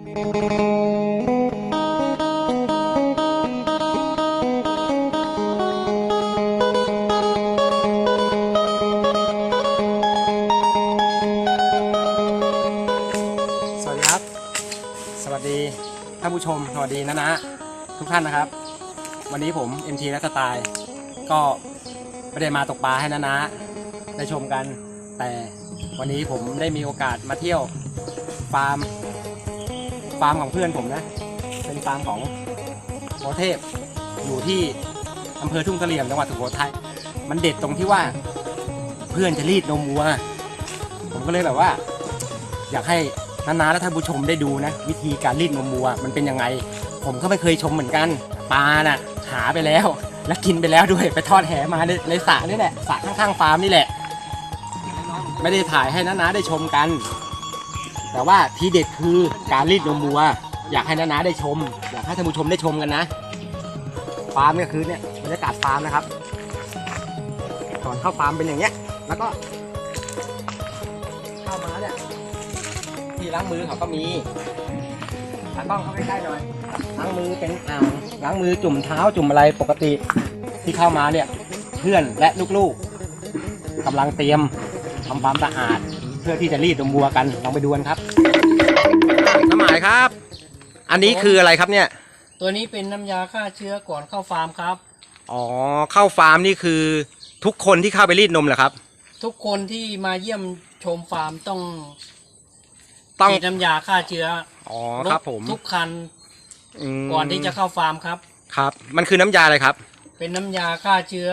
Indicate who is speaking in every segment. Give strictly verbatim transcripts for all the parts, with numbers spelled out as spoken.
Speaker 1: สวัสดีครับสวัสดีท่านผู้ชมสวัสดีนะนะทุกท่านนะครับวันนี้ผม เอ็ม ที และสไตล์ก็ไม่ได้มาตกปลาให้นะนะได้ชมกันแต่วันนี้ผมได้มีโอกาสมาเที่ยวฟาร์มฟาร์มของเพื่อนผมนะเป็นฟาร์มของโมเทพอยู่ที่อำเภอทุ่งเสลี่ยมจังหวัดสุโขทัยมันเด็ดตรงที่ว่าเพื่อนจะรีดนมวัวผมก็เลยแบบว่าอยากให้นาๆและท่านผู้ชมได้ดูนะวิธีการรีดนมวัวมันเป็นยังไงผมก็ไม่เคยชมเหมือนกันปลาน่ะหาไปแล้วและกินไปแล้วด้วยไปทอดแหมาในในสระนี่แหละสระข้างๆฟาร์มนี่แหละไม่ได้ถ่ายให้นาๆได้ชมกันแต่ว่าทีเด็ดคือการรีดนมวัวอยากให้นาๆได้ชมอยากให้ท่านผู้ชมได้ชมกันนะฟาร์มก็คือเนี่ยบรรยากาศฟาร์มนะครับก่อนเข้าฟาร์มเป็นอย่างเงี้ยแล้วก็เข้ามาเนี่ยที่ล้างมือเขาก็มีตากล้องเข้าใกล้ๆหน่อยล้างมือเป็นอ่างล้างมือจุ่มเท้าจุ่มอะไรปกติที่เข้ามาเนี่ยเพื่อนและลูกๆกำลังเตรียมทำความสะอาดเพื่อที่จะรีดนมวัวกันลองไปดูกันครับน้ำหมายครับอันนี้คืออะไรครับเนี่ย
Speaker 2: ตัวนี้เป็นน้ำยาฆ่าเชื้อก่อนเข้าฟาร์มครับ
Speaker 1: อ๋อเข้าฟาร์มนี่คือทุกคนที่เข้าไปรีดนมเหรอครับ
Speaker 2: ทุกคนที่มาเยี่ยมชมฟาร์มต้องต้องฉีดน้ำยาฆ่าเชื้อ
Speaker 1: อ๋อครับผม
Speaker 2: ทุกคันก่อนที่จะเข้าฟาร์มครับ
Speaker 1: ครับมันคือน้ำยาอะไรครับ
Speaker 2: เป็นน้ำยาฆ่าเชื้อ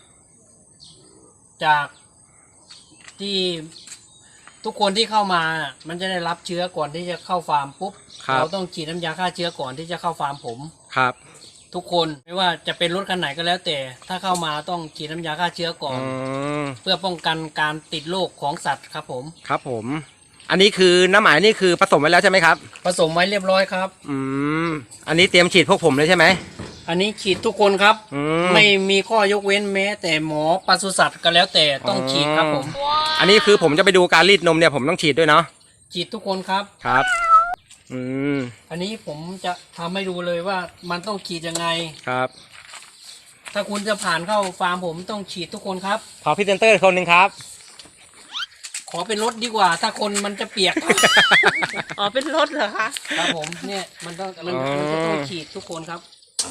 Speaker 2: จากที่ทุกคนที่เข้ามามันจะได้รับเชื้อก่อนที่จะเข้าฟาร์มปุ๊บเราต้องฉีดน้ำยาฆ่าเชื้อก่อนที่จะเข้าฟาร์มผมครับทุกคนไม่ว่าจะเป็นรถคันไหนก็แล้วแต่ถ้าเข้ามาต้องฉีดน้ำยาฆ่าเชื้อก่อนเพื่อป้องกันการติดโรคของสัตว์ครับผมครับผมอันนี้คือน้ำหมายนี่คือผสมไว้แล้วใช่ไหมครับผสมไว้เรียบร้อยครับ
Speaker 1: อืมอันนี้เตรียมฉีดพวกผมเลยใช่ไหม
Speaker 2: อันนี้ฉีดทุกคนครับไม่มีข้อยกเว้นแม้แต่หมอปศุสัตว์ก็แล้วแต่ต้องฉีดครับผม
Speaker 1: อันนี้คือผมจะไปดูการรีดนมเนี่ยผมต้องฉีดด้วยเนาะ
Speaker 2: ฉีดทุกคนครับ
Speaker 1: ครับอืม
Speaker 2: อันนี้ผมจะทำให้ดูเลยว่ามันต้องฉีดยังไง
Speaker 1: ครับ
Speaker 2: ถ้าคุณจะผ่านเข้าฟาร์มผมต้องฉีดทุกคนครับ
Speaker 1: ขอพรีเซนเตอร์คนหนึ่งครับ
Speaker 2: ขอเป็นรถดีกว่าถ้าคนมันจะเปียก
Speaker 3: อ๋อเป็นรถเหรอคะ
Speaker 2: ครับผมเนี่ยมันต้องมันจะต้องฉีดทุกคนครับ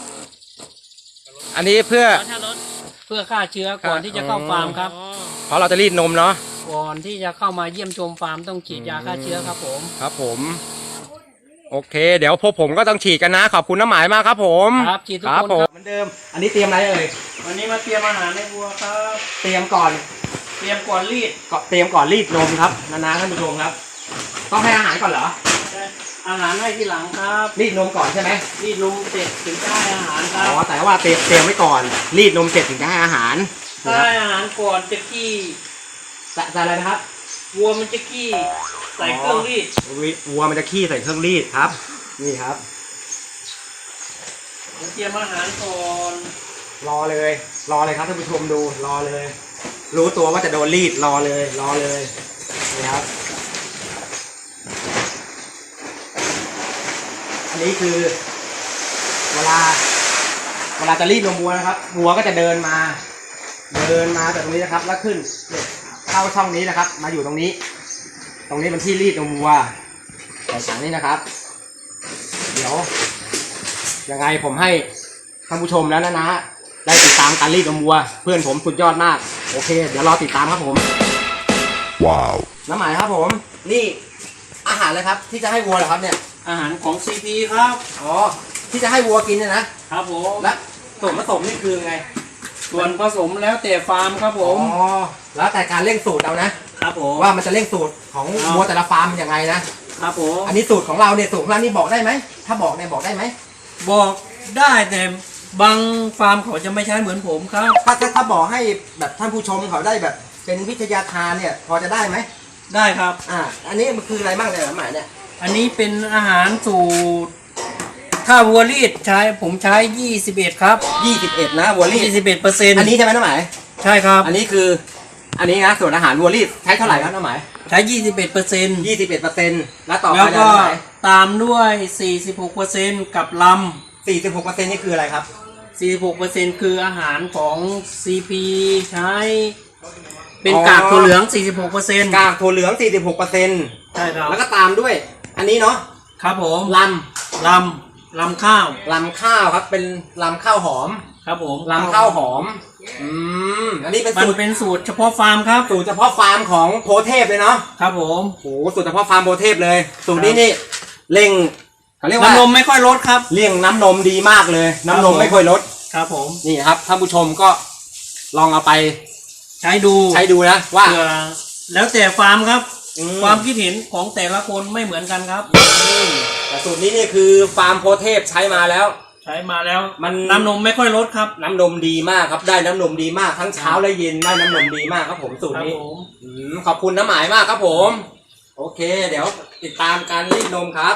Speaker 1: อันนี้เพื่อ
Speaker 2: เพื่อฆ่าเชื้อก่อนที่จะเข้าฟาร์มครับ
Speaker 1: เพราะเราจะรีดนมเนาะ
Speaker 2: ก่อนที่จะเข้ามาเยี่ยมชมฟาร์มต้องฉีดยาฆ่าเชื้อครับผม
Speaker 1: ครับผมโอเคเดี๋ยวพวกผมก็ต้องฉีดกันนะขอบคุณน้ำหมายมากครับผม
Speaker 2: ครับฉีดทุกคนครับ
Speaker 1: เหมือนเดิมอันนี้เตรียมอะไรเอ่ย
Speaker 2: วันนี้มาเตรียมอาหารในวัวครับ
Speaker 1: เตรียมก่อน
Speaker 2: เตรียมก่อนรีด
Speaker 1: ก็เตรียมก่อนรีดนมครับนาๆท่านผู้ชมครับต้องให้อาหารก่อนเหรอ
Speaker 2: อาหารให้ทีหลังครับ
Speaker 1: รีดนมก่อนใช่ไหม
Speaker 2: รีดนมเสร็จถึงจะให้อาหารครับ
Speaker 1: อ๋อแต่ว่าเตรียมเตรียมไว้ก่อนรีดนมเสร็จถึงจะให้อาหาร
Speaker 2: ให้อาหารก่อนจะขี้
Speaker 1: ใส่อะไรนะครับ
Speaker 2: วัวมันจะขี้ใส่เครื่องรีด
Speaker 1: วัวมันจะขี้ใส่เครื่องรีดครับนี่ครับ
Speaker 2: เตรียมอาหารก่อน
Speaker 1: รอเลยรอเลยครับท่านผู้ชมดูรอเลยรู้ตัวว่าจะโดนรีดรอเลยรอเลยนี่ครับอันนี้คือเวลาเวลาจะรีดนมวัวนะครับวัวก็จะเดินมาเดินมาจากตรงนี้นะครับแล้วขึ้นเข้าช่องนี้นะครับมาอยู่ตรงนี้ตรงนี้เป็นที่รีดนมวัวใส่ถังนี้นะครับเดี๋ยวยังไงผมให้ท่านผู้ชมแล้วนะนะได้ติดตามการรีดนมวัวเพื่อนผมสุดยอดมากโอเคเดี๋ยวรอติดตามครับผมว้าวน้ำหมายครับผมนี่อาหารเลยครับที่จะให้วัวเหรอครับเนี่ย
Speaker 2: อาหารของ ซี พี ครับ
Speaker 1: อ๋อที่จะให้วัวกินเนี่ยนะครับ
Speaker 2: ผม
Speaker 1: และส่วนผสมนี่คือไง
Speaker 2: ส่วนผสมแล้วแต่ฟาร์มครับผม
Speaker 1: อ๋อแล้วแต่การเร่งสูตรเอานะครับผมว่ามันจะเร่งสูตรของวัวแต่ละฟาร์มยังไงนะครับผมอันนี้สูตรของเราเนี่ยสูตรของเรานี่บอกได้ไหมถ้าบอกเนี่ยบอกได้ไหม
Speaker 2: บอกได้แต่บางฟาร์มเขาจะไม่ใช้เหมือนผมครับ
Speaker 1: ถ้าถ้าถ้าบอกให้แบบท่านผู้ชมเขาได้แบบเป็นวิทยาทานเนี่ยพอจะได้ไหม
Speaker 2: ได้ครับ
Speaker 1: อ่าอันนี้มันคืออะไรบ้างเนี่ยหมายเนี่ย
Speaker 2: อันนี้เป็นอาหารสูตรถ้าวัวรีดใช้ผมใช้ยี่สิบเอ็ดครับ
Speaker 1: ยี่สิบเอ็ดนะวัวรีด
Speaker 2: ยี่สิบเอ็ดเปอร์เซ็นต์
Speaker 1: อันนี้ใช่ไหมน้องหมาย
Speaker 2: ใช่ครับ
Speaker 1: อันนี้คืออันนี้นะส่วนอาหารวัวรีดใช้เท่าไหร่ครับน้องหมาย
Speaker 2: ใช้ยี่สิบเอ็ดเปอร์เซ็นต์
Speaker 1: ยี่สิบเอ็ดเปอร์เซ็นต์แล้วต่อไป
Speaker 2: แล้วก็ตามด้วย สี่สิบหกเปอร์เซ็นต์ กับล
Speaker 1: สี่สิบหกเปอร์เซ็นต์นี่คืออะไรครับ
Speaker 2: ำ สี่สิบหกเปอร์เซ็นต์ คืออาหารของ ซี พี ใช้ เป็น
Speaker 1: อ๋อ
Speaker 2: กากถั่วเหลือง สี่สิบหกเปอร์เซ็นต์
Speaker 1: กากถั่วเหลือง สี่สิบหกเปอร์เซ็นต์
Speaker 2: ใช่ครับ
Speaker 1: แล้วก็ตามด้วย อันนี้เนาะ
Speaker 2: ครับผม
Speaker 1: ล
Speaker 2: ลำลำข้าว
Speaker 1: ำลำข้าวครับ เป็นลำข้าวหอม
Speaker 2: ครับผม
Speaker 1: ลำข้าวหอม อืม อันนี้เป็น
Speaker 2: มัน
Speaker 1: สูตร
Speaker 2: เป็นสูตรเฉพาะฟาร์มครับ
Speaker 1: สูตรเฉพาะฟาร์มของโพเทพเลยเนาะ
Speaker 2: ครับผม
Speaker 1: โอ้โหสูตรเฉพาะฟาร์มโพเทพเลย สูตรนี้นี่เร่งเขาเรียกว่า
Speaker 2: น้ำนมไม่ค่อยลดครับ
Speaker 1: เลี่ยงน้ำนมดีมากเลย น้ำนม
Speaker 2: ครับผม
Speaker 1: ไม่ค่อยลด
Speaker 2: ครับผม
Speaker 1: นี่ครับท่านผู้ชมก็ลองเอาไป
Speaker 2: ใช้ดู
Speaker 1: ใช้ดูนะว่า
Speaker 2: เผื่อแล้วแต่ฟาร์มครับ
Speaker 1: อืม
Speaker 2: ความคิดเห็นของแต่ละคนไม่เหมือนกันครับ
Speaker 1: อืมแต่สูตรนี้นี่คือฟาร์มโพเทพใช้มาแล้ว
Speaker 2: ใช้มาแล้ว
Speaker 1: มัน
Speaker 2: น้ำนมไม่ค่อยลดครับ
Speaker 1: น้ำนมดีมากครับได้น้ำนมดีมากทั้งเช้าและเย็นได้น้ำนมดีมากครับผมสูตร
Speaker 2: ครับ
Speaker 1: นี้
Speaker 2: ผม
Speaker 1: อืมขอบคุณน้ำหมายมากครับผม โอเค เดี๋ยวติดตามการรีดนมครับ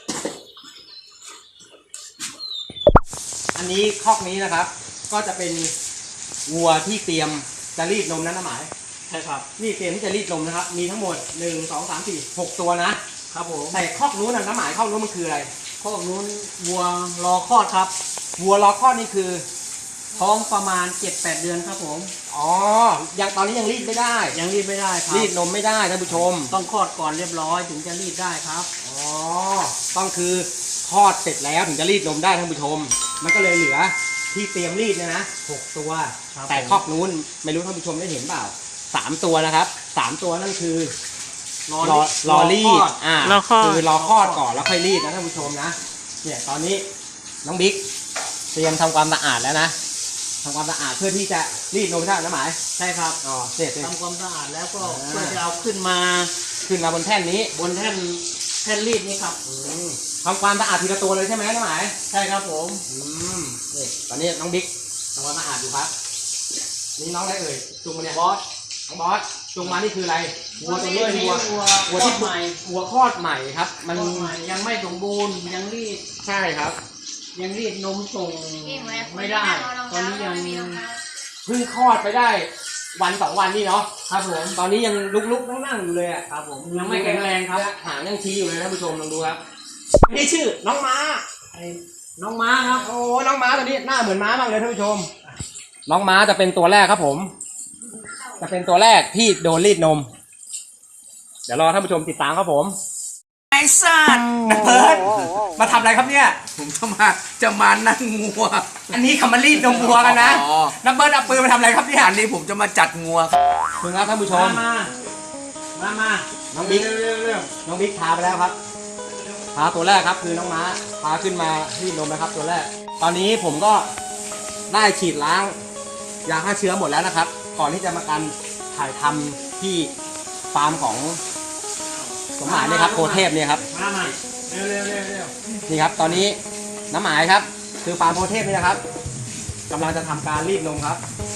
Speaker 1: อันนี้คอกนี้นะครับ ก็จะเป็นวัวที่เตรียมจะรีดนมนะน้ำหมาย
Speaker 2: ใช่ครับ
Speaker 1: นี่เตรียมที่จะรีดนมนะครับ มีทั้งหมดหนึ่งสองสามสี่หกตัวนะครับ
Speaker 2: ผม
Speaker 1: แต่คอกนู้นนะน้ำหมายคอกนู้นมันคืออะไร
Speaker 2: พวกนู้นวัวรอคลอดครับ
Speaker 1: วัวรอคลอดนี่คือ
Speaker 2: ท้องประมาณ เจ็ดแปด เดือนครับผม
Speaker 1: อ๋อยังตอนนี้ยังรีดไม่ได้
Speaker 2: ยังรีดไม่ได้ครับ
Speaker 1: รีดนมไม่ได้ท่านผู้ชม
Speaker 2: ต้องคลอดก่อนเรียบร้อยถึงจะรีดได้ครับ
Speaker 1: อ๋อ ต้องคือทอดเสร็จแล้วถึงจะรีดนมได้ท่านผู้ชม มันก็เลยเหลือที่เตรียมรีดเนี่ยนะหกตัว
Speaker 2: ครับ
Speaker 1: แต่
Speaker 2: ผม
Speaker 1: คอกนู้นไม่รู้ท่านผู้ชมได้เห็นเปล่าสามตัวนะครับสามตัวนั่นคือรอรอรีดอ่าร
Speaker 3: อคลอด
Speaker 1: คือรอคลอดก่อนแล้วค่อยรีดนะท่านผู้ชมนะ เนี่ยตอนนี้น้องบิ๊กเตรียมทำความสะอาดแล้วนะทำความสะอาดเพื่อที่จะรีดนมใช่ไหมน้ำหมาย
Speaker 2: ใช่ครับ
Speaker 1: อ๋อเสร็จเลย
Speaker 2: ทำความสะอาดแล้วก็
Speaker 1: อ่า
Speaker 2: เพื่อจะเอาขึ้นมา
Speaker 1: ขึ้นมาบนแท่นนี้
Speaker 2: บนแท่นแท่นรีดนี้ครับ
Speaker 1: อืมทำความสะอาดทีละตัวเลยใช่ไหมน้ำหมาย
Speaker 2: ใช่ครับผม
Speaker 1: อืมนี่ตอนนี้น้องบิ๊กทำความสะอาดอยู่ครับนี่น้องอะไรเอ่ยจุงมาเนี่ยบอสน้องบอสจุงมานี่คืออะไรวัวตัวนี้เป็นวัว
Speaker 2: วัว
Speaker 1: วัว
Speaker 2: คลอ
Speaker 1: ที่
Speaker 2: ดใหม่
Speaker 1: วัวคลอดใหม่ครับ
Speaker 2: มั
Speaker 1: มัน น
Speaker 2: ใหม่ยังไม่สมบูรณ์ยังรีด
Speaker 1: ใช่ครับ
Speaker 2: ยังรีดนมส่งไม่ได้ ตอนนี้ยัง
Speaker 1: เพิ่งคลอดไปได้วันสองวันนี่เนาะ
Speaker 2: ครับผม
Speaker 1: ตอนนี้ยังลุกๆนั่งๆอยู่เลยอะ
Speaker 2: ครับผมยังไม่แข็งแรงครับ
Speaker 1: หางยังชี้อยู่เลยนะผู้ชมลองดูครับนี่ชื่อน้องม้า
Speaker 2: ไอ้น้องม้าครับ
Speaker 1: โอ้น้องม้าตัวนี้หน้าเหมือนม้ามากเลยท่านผู้ชม น้องม้าจะเป็นตัวแรกครับผม จะเป็นตัวแรกที่โดนรีดนม เดี๋ยวรอท่านผู้ชมติดตามครับผมไอ้สัตว์นะเบิร์ดมาทำอะไรครับเนี่ย
Speaker 4: ผมจะมาจะมานั่งงัว
Speaker 1: อันนี้เขามารีดนมวัวกันนะ
Speaker 4: อ๋อ
Speaker 1: น้ำเบิร์ดเอาปืนมาทำอะไรครับเนี่ย
Speaker 4: อันนี้ผมจะมาจัดงัวครับ
Speaker 1: ถึงแล้วท่านผู้ชม
Speaker 2: มา มา มา
Speaker 1: น้องบิ๊ก
Speaker 2: เร็วเร็ว
Speaker 1: น้องบิ๊กพาไปแล้วครับ พาตัวแรกครับคือน้องม้า พาขึ้นมารีดนมนะครับ ตัวแรก ตอนนี้ผมก็ได้ฉีดล้างยาฆ่าเชื้อหมดแล้วนะครับ ก่อนที่จะมาการถ่ายทำที่ฟาร์มของสมหมายเนี่ยครับโคเทพเนี่ยครับ
Speaker 2: มามาเร็วเร็วเร็วเร็ว
Speaker 1: นี่ครับ ตอนนี้น้ำหมายครับ คือฟาร์มโพเทพนี่นะครับกำลังจะทำการรีดนมครับ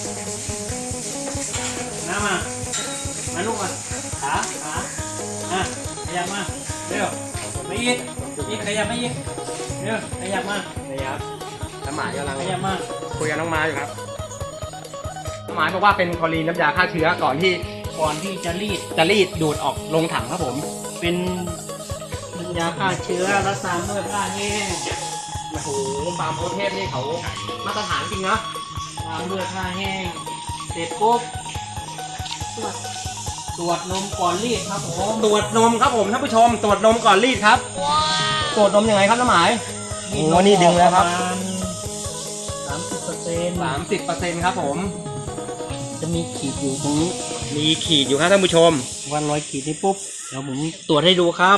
Speaker 2: มามา มาลูกมา ขา ขาอ่ะขยับมา เร็วไม่อีกอีกขยับไม่อีกเร็วขยับมา
Speaker 1: นี่ครับน้ำหมายกำลัง
Speaker 2: ขยับมา
Speaker 1: คุยกับน้องม้าอยู่ครับน้ำหมายบอกว่าเป็นคลอรีนน้ำยาฆ่าเชื้อก่อนที่
Speaker 2: ก่อนที่จะรีด
Speaker 1: จะรีดดูดออกลงถังครับผม
Speaker 2: เป็นยาฆ่าเชื้อรักษาเมื่อผ้าแห้ง
Speaker 1: โอ้โหฟาร์มโพเทพนี่เขามาตรฐานจริงนะ
Speaker 2: ตามเมื่อผ้าแห้ง เสร็จปุ๊บตรวจตรวจนมก่อนรีดครับผม
Speaker 1: ตรวจนมครับผมท่านผู้ชม ตรวจนมก่อนรีดครับตรวจนมยังไงครับน้ำหมายโอ้โหนี่ดึงแล้วครับ
Speaker 2: สามสิบเปอร์เซ็นต์
Speaker 1: สามสิบเปอร์เซ็นต์ครับผม
Speaker 2: จะมีขีดอยู่ตรงนี้
Speaker 1: มีขีดอยู่ครับท่านผู้ชม
Speaker 2: วันร้อยขีดนี้ปุ๊บ เดี๋ยวผมตรวจให้ดูครับ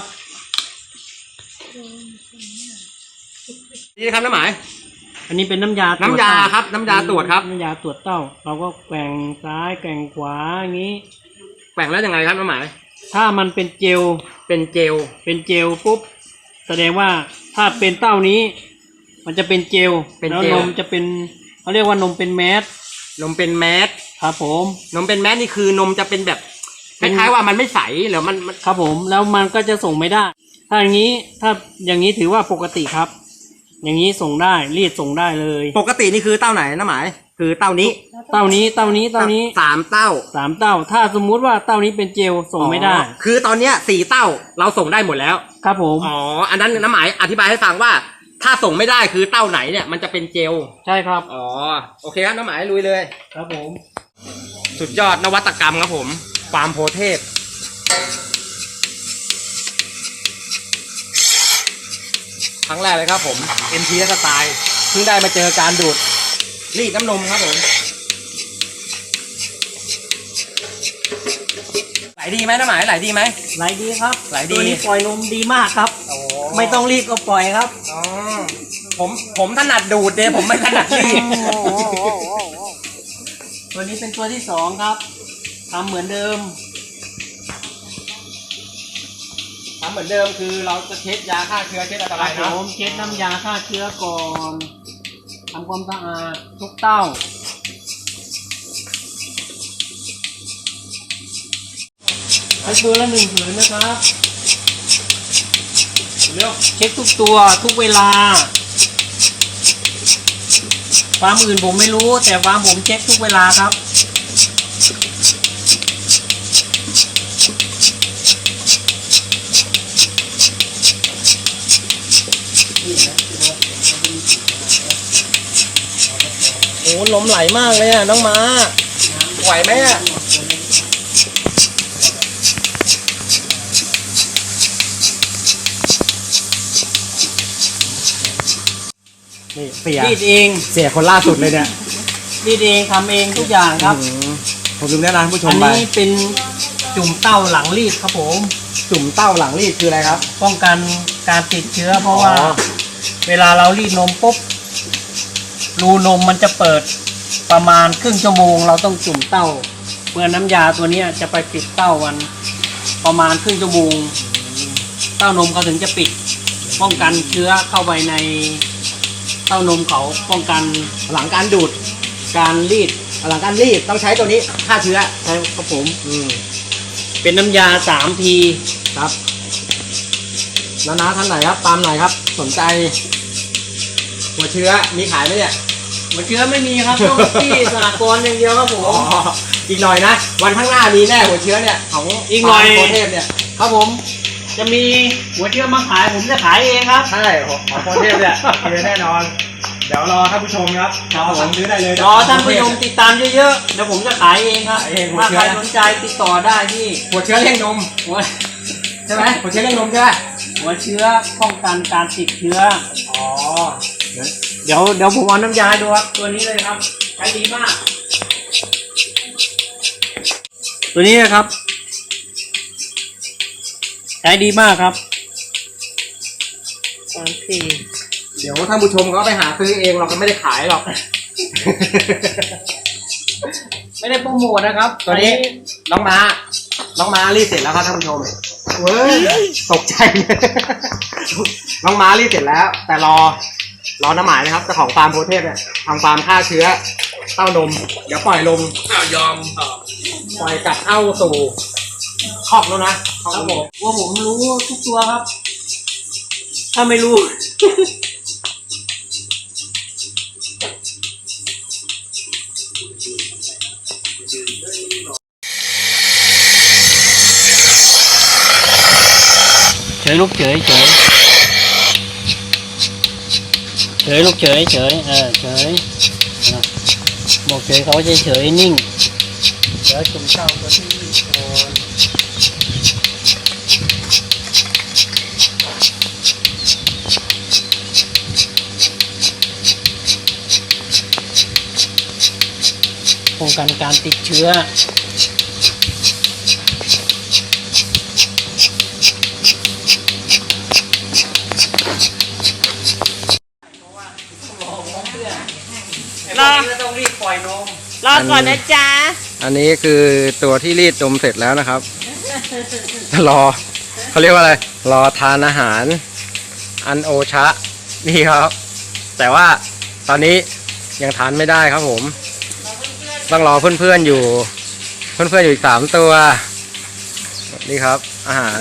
Speaker 1: นี่นะครับน้ำหมาย
Speaker 2: อันนี้เป็นน้ำยาตรวจ
Speaker 1: น้ำยา
Speaker 2: เต้
Speaker 1: ครับน้ำยาตรวจครับ
Speaker 2: น้ำยาตรวจเต้า เราก็แกว่งซ้ายแกว่งขวาอย่างนี้
Speaker 1: แบ่งแล้วยังไงครับน้ำหมาย
Speaker 2: ถ้ามันเป็นเจล
Speaker 1: เป็นเจล
Speaker 2: เป็นเจลปุ๊บ แสดงว่าถ้าเป็นเต้านี้ มันจะเป็นเจล
Speaker 1: เป็น
Speaker 2: แล้ว
Speaker 1: เจ
Speaker 2: น
Speaker 1: ล
Speaker 2: มจะเป็นเขาเรียกว่านมเป็นแมส
Speaker 1: นมเป็นแมส
Speaker 2: ครับผม
Speaker 1: นมเป็นแมสนี่คือนมจะเป็นแบบค
Speaker 2: เป็น
Speaker 1: ล้ายๆว่ามันไม่ใสหรือมันมัน
Speaker 2: ครับผมแล้วมันก็จะส่งไม่ได้ ถ้าอย่างนี้ถ้าอย่างนี้ถือว่าปกติครับ อย่างนี้ส่งได้รีดส่งได้เลย
Speaker 1: ปกตินี่คือเต้าไหนน้ำหมาย คืคือเต้านี้
Speaker 2: เต้านี้เต้านี้เต้านี้
Speaker 1: สามเต้า
Speaker 2: สามเต้า ถ้าสมมุติว่าเต้านี้เป็นเจลส่งไม่ได้
Speaker 1: อ๋อคือตอนเนี้ยสี่เต้าเราส่งได้หมดแล้ว
Speaker 2: ครับผม
Speaker 1: อ๋ออันนั้นน้ำหมายอธิบายให้ฟังว่า ถ้าส่งไม่ได้คือเต้าไหนเนี่ยมันจะเป็นเจล
Speaker 2: ใช่ครับ
Speaker 1: อ๋อโอเคครับน้ำหมายลุยเลย
Speaker 2: ครับผม
Speaker 1: สุดยอดนวัตกรรมครับผมฟาร์มโพเทพครั้งแรกเลยครับผม เอ็ม ที สไตล์เพิ่งได้มาเจอการดูดรีดน้ำนมครับผมไหลดีไหมน้ำหมายไหลดีไหม
Speaker 2: ไหลดีครับ
Speaker 1: ไหลดี
Speaker 2: ตัวนี้ปล่อยนมดีมากครับ
Speaker 1: โอ้
Speaker 2: ไม่ต้องรีดก็ปล่อยครับ
Speaker 1: อ๋อผมผมถนัดดูดเดยผมไม่ถนัดรีด
Speaker 2: ตัวนี้เป็นตัวที่สองครับทำเหมือนเดิม
Speaker 1: ทำเหมือนเดิมคือเราจะเช็ดยาฆ่าเชื้อเช็ดอันต
Speaker 2: ค
Speaker 1: รา
Speaker 2: รั
Speaker 1: ย
Speaker 2: บ
Speaker 1: นะ
Speaker 2: ผมเช็ดน้ำยาฆ่าเชื้อก่อนทำความสะอาดทุกเต้าใช้ตัวละหนึ่งผืนนะครับเร็วเช็คทุกตัวทุกเวลาฟาร์มอื่นผมไม่รู้แต่ฟาร์มผมเช็คทุกเวลาครับโอ้ลมไหลมากเลยอ่ะน้องม้า
Speaker 1: ไหวไหมอ่ะนี่เสีย
Speaker 2: รีดเอง
Speaker 1: เสียคนล่าสุดเลยเนี่ย
Speaker 2: รีดเองทำเองทุกอย่างครับ
Speaker 1: อืมผมลืมแนะนำผู้ช
Speaker 2: อั
Speaker 1: ม
Speaker 2: น
Speaker 1: ไป
Speaker 2: นี้เป็นจุ่มเต้าหลังรีดครับผม
Speaker 1: จุ่มเต้าหลังรีดคืออะไรครับ
Speaker 2: ป้องกันการติดเชื้อเพราะว่า
Speaker 1: อ๋อ
Speaker 2: เวลาเรารีดนมปุ๊บรูนมมันจะเปิดประมาณครึ่งชั่วโมง เราต้องจุ่มเต้าเมื่อน้ำยาตัวเนี้ยจะไปปิดเต้าวันประมาณครึ่งชั่วโมงเต้านมเขาถึงจะปิด ป้องกันเชื้อเข้าไปในเต้านมเขาป้องกัน
Speaker 1: หลังการดูด
Speaker 2: การรีด
Speaker 1: หลังการรีดต้องใช้ตัวนี้ฆ่าเชื้อ
Speaker 2: ใช่ครับผม
Speaker 1: อืม
Speaker 2: เป็นน้ำยาสามที
Speaker 1: ครับแล้วนะท่านไหนครับตามไหนครับ สนใจ หัวเชื้อมีขายไหมเนี่ย
Speaker 2: หัวเชื้อไม่มีครับ ต้องที่สหกรณ์อย่างเดียวครับผม
Speaker 1: อ๋ออีกหน่อยนะ วันข้างหน้ามีแน่หัวเชื้อเนี่ยของ
Speaker 2: อีกหน่อย
Speaker 1: ฟาร์มโพเทพเนี่ย
Speaker 2: ครับผม จะมีหัวเชื้อมาขายผมจะขายเองครับ
Speaker 1: ใช่ของของโพเทพเนี่ยมีแน่นอน เดี๋ยวรอท่านผู้ชมครับรอสั่งซื้อได้เลย
Speaker 2: รอท่านผู้ชมติดตามเยอะๆเดี๋ยวผมจะขายเองครับ
Speaker 1: ขายเองหัว
Speaker 2: ถ้า
Speaker 1: เชื้
Speaker 2: ใค
Speaker 1: อ
Speaker 2: รสนใจติดต่อได้ที่
Speaker 1: หัวเชื้อเลี้ยงนม
Speaker 2: หัว
Speaker 1: ใช่ไหมหัวเชื้อเลี้ยงนมใช่ไหม
Speaker 2: หัวเชื้อป้องกันการติดเชื้อ
Speaker 1: อ๋อ
Speaker 2: เดี๋ยวเดี๋ยวผมเอาน้ำยาดูครับตัวนี้เลยครับใช้ดีมาก ตัวนี้นะครับใช้ดีมากครับ
Speaker 3: สองที
Speaker 1: เดี๋ยวท่านผู้ชมเขาไปหาซื้อเองเราก็ไม่ได้ขายหรอก
Speaker 2: ไม่ได้โปรโมทนะครับ
Speaker 1: ตัวนี้น้องม้า น้องม้ารีดเสร็จแล้วครับท่านผู้ชมเว้ยตกใจเลย น้องม้ารีดเสร็จแล้ว แต่รอ รอน้ำหมายนะครับเจ้าของฟาร์มโพเทพเนี่ยทำฟาร์มฆ่าเชื้อ เต้านม เดี๋ยวปล่อยลง
Speaker 4: อ้าวยอม
Speaker 1: ปล่อยกลับเข้าสู่คอกแล้วนะคอก
Speaker 2: ครับ
Speaker 1: ผม
Speaker 2: ผมว่าผมรู้ทุกตัวครับ ถ้าไม่รู้ เฉยลูกเฉยเฉยเฉยลูกเฉยเฉยเออเฉยอ่ะบอกเฉยเขาจะเฉยนิ่งเดี๋ยวจุ่มเต้าตัวที่ก่อนป้องกันการติดเชื้อ
Speaker 3: รอ
Speaker 2: ต้องรีบปล่อยนม
Speaker 3: รอก่อนนะจ๊ะ
Speaker 1: อันนี้คือตัวที่รีดนมเสร็จแล้วนะครับ รอเขาเรียกว่าอะไร รอทานอาหาร อันโอชะ นี่ครับ แต่ว่าตอนนี้ยังทานไม่ได้ครับผม ต้องรอเพื่อนๆอยู่ เพื่อนๆอยู่อีกสามตัว นี่ครับ อาหาร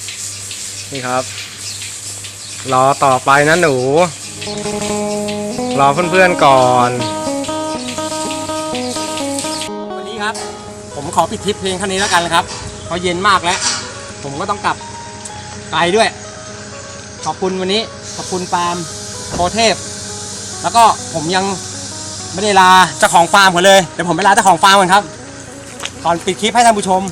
Speaker 1: นี่ครับ รอต่อไปนะหนูรอเพื่อนๆก่อน วันนี้ครับ ผมขอปิดทริปเพลงเท่านี้แล้วกันครับเพราะเย็นมากแล้ว ผมก็ต้องกลับไกลด้วย ขอบคุณวันนี้ขอบคุณฟาร์มโพเทพ แล้วก็ผมยังไม่ได้ลาเจ้าของฟาร์มเขาเลยเดี๋ยวผมไปลาเจ้าของฟาร์มก่อนครับก่อนปิดคลิปให้ท่านผู้ชม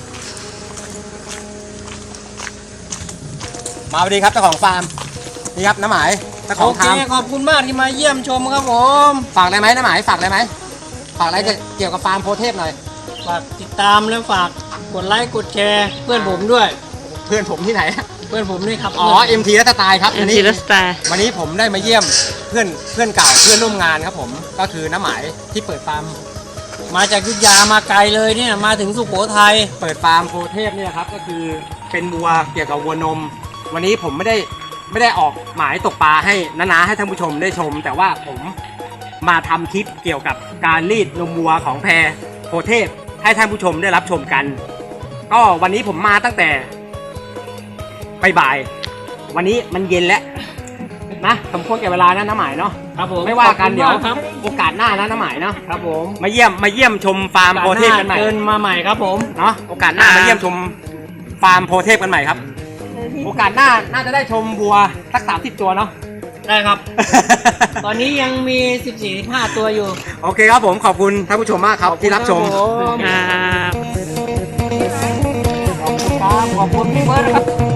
Speaker 1: มาสวัสดีครับเจ้าของฟาร์มนี่ครับน้าหมายเจ้าข
Speaker 2: โอ
Speaker 1: อง
Speaker 2: เค
Speaker 1: ฟาร์ม
Speaker 2: ขอบคุณมากที่มาเยี่ยมชมครับผม
Speaker 1: ฝากได้ไหมน้าหมายฝากได้ไหมฝากอะไรเกี่ยวกับฟาร์มโพเทพหน่อย
Speaker 2: ฝากติดตามและฝากกดไลค์กดแชร์เพื่อนผมด้วย
Speaker 1: เพื่อนผมที่ไหน
Speaker 2: เพื่อนผมนี่ครับ
Speaker 1: อ๋อ เอ็ม ที และสไตล์ครับ
Speaker 3: เอ็
Speaker 1: วัน
Speaker 3: ม
Speaker 1: นี้
Speaker 3: ทีรสไตล์
Speaker 1: วันนี้ผมได้มาเยี่ยมเพื่อนเพื่อนเก่าเพื่อนร่วมงานครับผมก็คือน้าหมายที่เปิดฟาร์ม
Speaker 2: มาจากอยุธยามาไกลเลยเนี่ยมาถึงสุโขทัย
Speaker 1: เปิดฟาร์มโพเทพเนี่ยครับก็คือเป็นวัวเกี่ยวกับวัวนม วันนี้ผมไม่ได้ไม่ได้ออกหมายตกปลาให้น้าๆให้ท่านผู้ชมได้ชม แต่ว่าผมมาทำคลิปเกี่ยวกับการรีดนมวัวของแพรโพเทพให้ท่านผู้ชมได้รับชมกัน ก็วันนี้ผมมาตั้งแต่บ่ายๆวันนี้มันเย็นแล้วนะสมควรแก่เวลานะน้าหมายเนาะ
Speaker 2: ครับผม
Speaker 1: ไม่ว่ากัน
Speaker 2: ขอบคุณ
Speaker 1: เดี๋ยว
Speaker 2: มครับ
Speaker 1: โอกาสหน้านะน้าหมายเนาะ
Speaker 2: ครับผม
Speaker 1: มาเยี่ยมมาเยี่ยมชมฟาร์มโพเทพกันใหม่
Speaker 2: เชิญมาใหม่ครับผม
Speaker 1: เนาะโอกาสหน้ามาเยี่ยมชมฟาร์มโพเทพกันใหม่ครับ โอกาสหน้าน่าจะได้ชมวัวสักสามสิบตัวเนาะ
Speaker 2: ได้ครับ ตอนนี้ยังมี สิบสี่ สิบห้า ตัวอยู่
Speaker 1: โอเคครับผมขอบคุณท่านผู้ชมมากครับที่รับชม
Speaker 2: ขอบคุณ
Speaker 3: ครับ
Speaker 2: ครับขอบคุณพี่เบิร์ดนะครับ